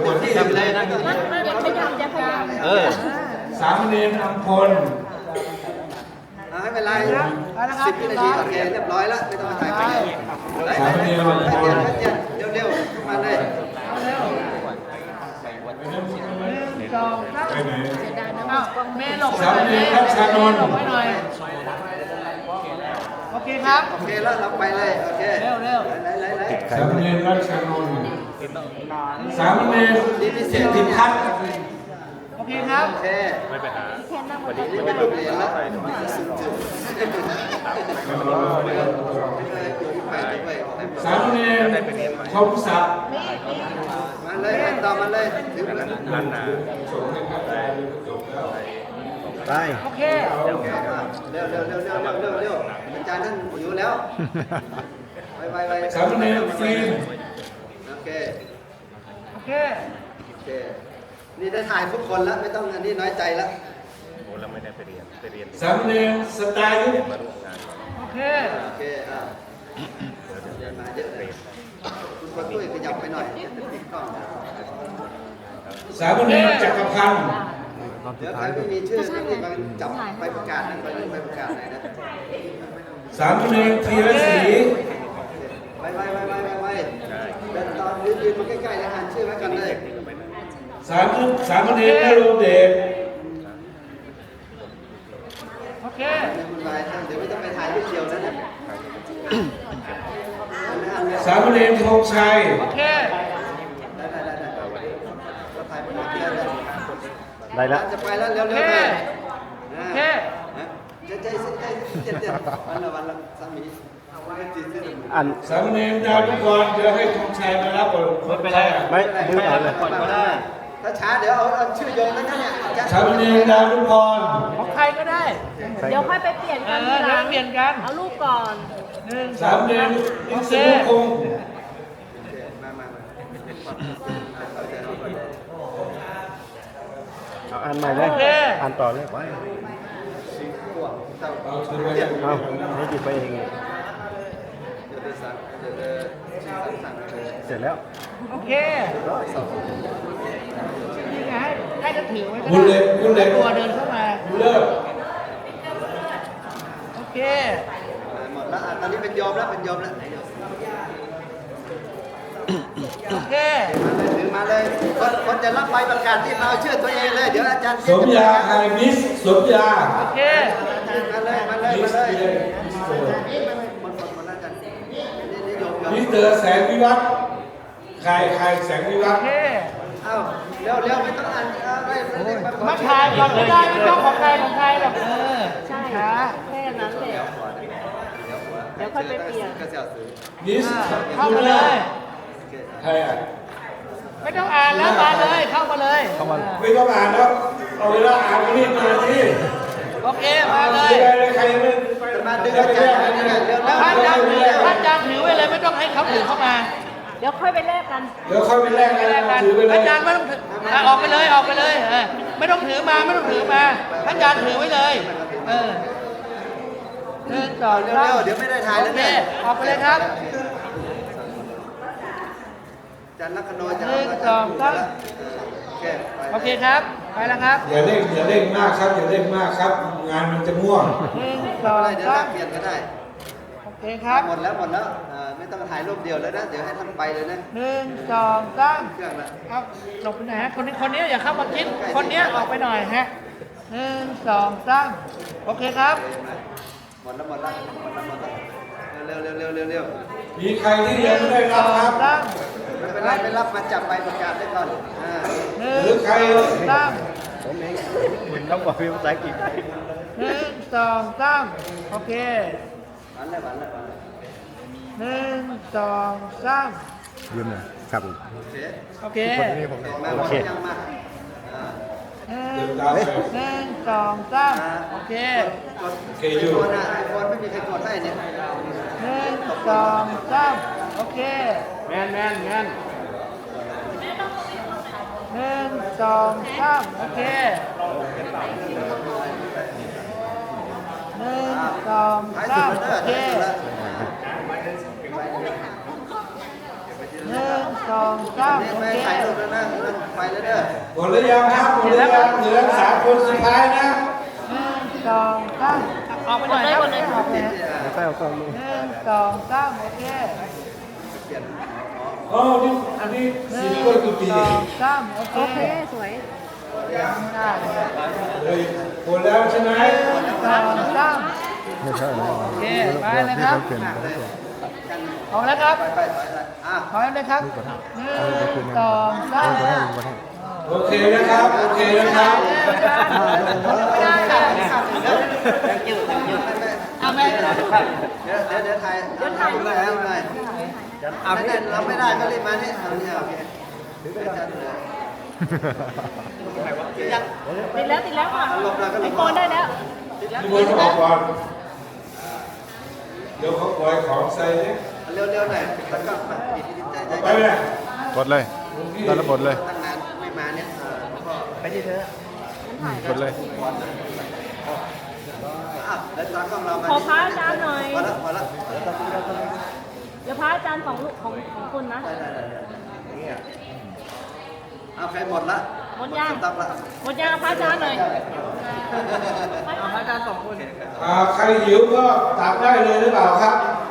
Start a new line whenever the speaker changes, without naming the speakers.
เต็มที่เลยนะ
อย่าขยับอย่าขยับ
สามเณรอัมพล
ไม่เป็นไร10 วินาทีโอเคเรียบร้อยแล้วไม่ต้องมาถ่ายไปเลย
สามเณรอัมพล
เร็วๆมาเลย
สองสาม
ไปไหน
เมย์หลบ
สามเณรรัชนนท์
หลบไว้หน่อยโอเคครับ
โอเคแล้วเราไปเลยโอเค
เร็วเร็ว
ไหน
สามเณรรัชนนท์สามเณรสิทธิพัฒน์
โอเคครับ
โอเค
แค่นั่งบน
นี่เป็นโรงเรียนแล้วไปด้วย
สามเณรคมศักดิ์
มาเลยต่อมาเลยถึง
ไป
โอเค
เร็วอาจารย์ท่านอยู่แล้วไป
สามเณรฟิล์ม
โอเค
โอเค
โอเคนี่ได้ถ่ายทุกคนแล้วไม่ต้องอันนี้น้อยใจแล้ว
สามเณรสไตล์
โอเค
โอเคมาเยอะเลยคุณคนตุ้ยขยับไปหน่อยติดกล้อง
สามเณรจักรพันธ์
เดี๋ยวใครไม่มีชื่อนี่มาจับไปประกาศนะไปประกาศไหนนะ
สามเณรธีรศรี
ไปเดินตอนยืนมาใกล้ๆแล้วอ่านชื่อไว้กันเลย
สามเณรนรงค์เดช
โอเค
คุณลายเดี๋ยวไม่ต้องไปถ่ายรูปเดียวนะ
สามเณรธงชัย
โอเค
ได้ละ
จะไปแล้วเร็วๆเลย
โอเค
ใจวันละสามี
อัน
สามเณรดาวทุกรเดี๋ยวให้ธงชัยมารับก่อนไม่เป็นไร
ไม่ดึงออกเลย
ถ้าช้าเดี๋ยวเอาชื่อโยงแล้วเนี่ย
สามเณรดาวทุกร
ของใครก็ได้
เดี๋ยวค่อยไปเปลี่ยน
เอ
กัน
อ
ทีห
เดี๋ย
ลั
ว
ง
เปลี่ยนกัน
เอารูปก่อน
หนึ่งส
สา
อ
ม
ง
เณ
สาม
ร
โอ
อิ
เค
สรุพงศ์
มา
เอาอ่านใหม่เลย
โอเค
อ่านต่อเลยไป
เอาถือไป
เอาให้หยิบไปเอง เสร็จแล้ว
โอเคนี่ไงให้จะถือไว้ก็
บุญเล็
ได้
กบุญเล็ก
ตัวเดินเข้ามา
บุญเลิศ
โอเค
หมดแล้วตอนนี้เป็นโยมแล้วเป็นโยมแล้ว
โอเค
ถือมาเลยคนจะรับใบประกาศที่มาเอาชื่อตัวเองเลยเดี๋ยวอาจารย์
สมยาไฮมิสสมยา
โอเค
มาเลย
มิสเตอร์
คนละกันนี่โยม
มิสเตอร์แสงวิวัฒน์ใครแสงวิวั
โอ
ฒน์
เค
เอ้าเร็วไม่ต้องอ่านได้
มาถ่ายก่อนไม่ได้ไม่ต้องของใครหรอก
ใช่
ช้า
แค่นั้นแหละเดี๋ยวค่อยไปเปลี่ยน
ก็เสียวซื้อ
มิส
เข้ามาเลย
ใครอ่ะ
ไม่ต้องอ่านแล้วมาเลยเข้ามาเลย
ไม่ต้องอ่านแล้วเอาเวลาอ่านก็รีบมาที่
โอเคมาเลย
ใครไม่
มาดึงอาจารย์เร็ว
ท่านอาจารย์ถือไว้เลยไม่ต้องให้เขาถือเข้ามา
เดี๋ยวค่อยไปแลกกัน
เดี๋ยวค่อยไปแลกกัน
แลกกัน
ถือไปเลย
อาจารย์ไม่ต้องถือออกไปเลยไม่ต้องถือมาท่านอาจารย์ถือไว้เลยหนึ่งสอง
เร็
สาม
วเดี๋ยวไม่ได้ถ่าย
โอ
แล้ว
เค
เนี่ย
ออกไปเลยครับ
อาจารย์ลักขณโอ
โอเคครับไปแล้วครับ
อย่าเร่งมากครับอย่าเร่งมากครับ งานมันจะม่วง
หนึ่งสอง
เดี๋ยว
สาม
เปลี่ยนก็ได้
โอเคครับ
หมดแล้วไม่ต้องถ่ายรูปเดียวแล้วนะเดี๋ยวให้ท่านไปเลยนะ
หนึ่งสองสาม
เครื่องละ
เอาหลบไปไหนฮะคนนี้อย่าเข้ามาคิดคนนี้ออกไปหน่อยฮะหนึ่งสองสามโอเคครับ
หมดแล้วเร็ว
มีใครที่ยังไม่ได้
ส
รั
อบ
ครั
ง
บ
สาม
ไม่เป็นไรไม่รับมาจับใบประกาศได้ก่อน
หนึ่
หรื
ง
อใคร
สาม
ผมเองคุณต้องบอกเป็นภาษาอังกฤษ
หนึ่งสองสามโอเค
หวานเลย
หนึ่งสองสาม
ยืมหน่อยครับ
โอเค
โอเค
คนนี้ผม
มาหม
โอ
ด
เค
ยังมา
หนึ่งสองสามโอเค
คนไอโฟนไม่มีใครกดให้เนี่ย
หนึ่งสองสามโอเคแมนหนึ่งสองสามโอเคหนึ่งสอง
ท้าย
สา
สุ
ม
ด
โอ
แล้ว
เค หนึ่งสองสาม
นี่
โอ
ไม่
เค
ถ่ายรูปแล้วนะแล้วเด้อ
หมดหรือยังครับหมดหรือยังเหลือ3 คนสุดท้ายนะ
1 2 3ออกไปหน่อยครับออกไป
แล้วก็เอากล้องลง
1 2 3โอเค
เปลี่ยน
อ๋อนี่อันนี้
1
สิบคนกี่ปี
2 3โอเคสวยได้เลย
เลยหมดแล้วใช่ไหม
1 2 3
ไม่ใช่นะ
โอเคไปเลยครับ
นี่เขาเปลี่ยน
ออกแล้วครับ
ไปอ่ะ
ถอยเลยครับ1 2 3
โอเคนะครับโอเคนะครับ
ไม่ได้ค่ะเอาไหม
เดี๋ยวถ่ายแล้วหน่อยเอาไม่ได้เราไม่ได้ก็รีบมาเนี่ยเอาเนี่ยโอเคจัดเลย
ติดแล้วค่ะ
ลบแล้วก็ล
ไอบ โฟนได้แล้ว
ทุกคนออกก่อนเดี๋ยวเขาปล่อยของใส่เนี่ย
เร็วๆหน่อยแล้วก็ใจ
ไปไหม
กดเลยตอนระบดเลย
ตั้งนานไม่มาเนี่ยพ่อ
ไปที่เธอก
ดเลย
อ่ะแล้วตากล้องเรามา
ขอพระอาจารย์หน่อย
พอละ
เดี๋ยวพระอาจารย์ของลูกของคุณนะ
เอาใครหมดละ
หมดยัง
ตับละ
หมดยังพระอาจารย์หน่อย
เอาพระอาจารย์2 คน
ใครหิวก็ตักได้เลยหรือเปล่าครับ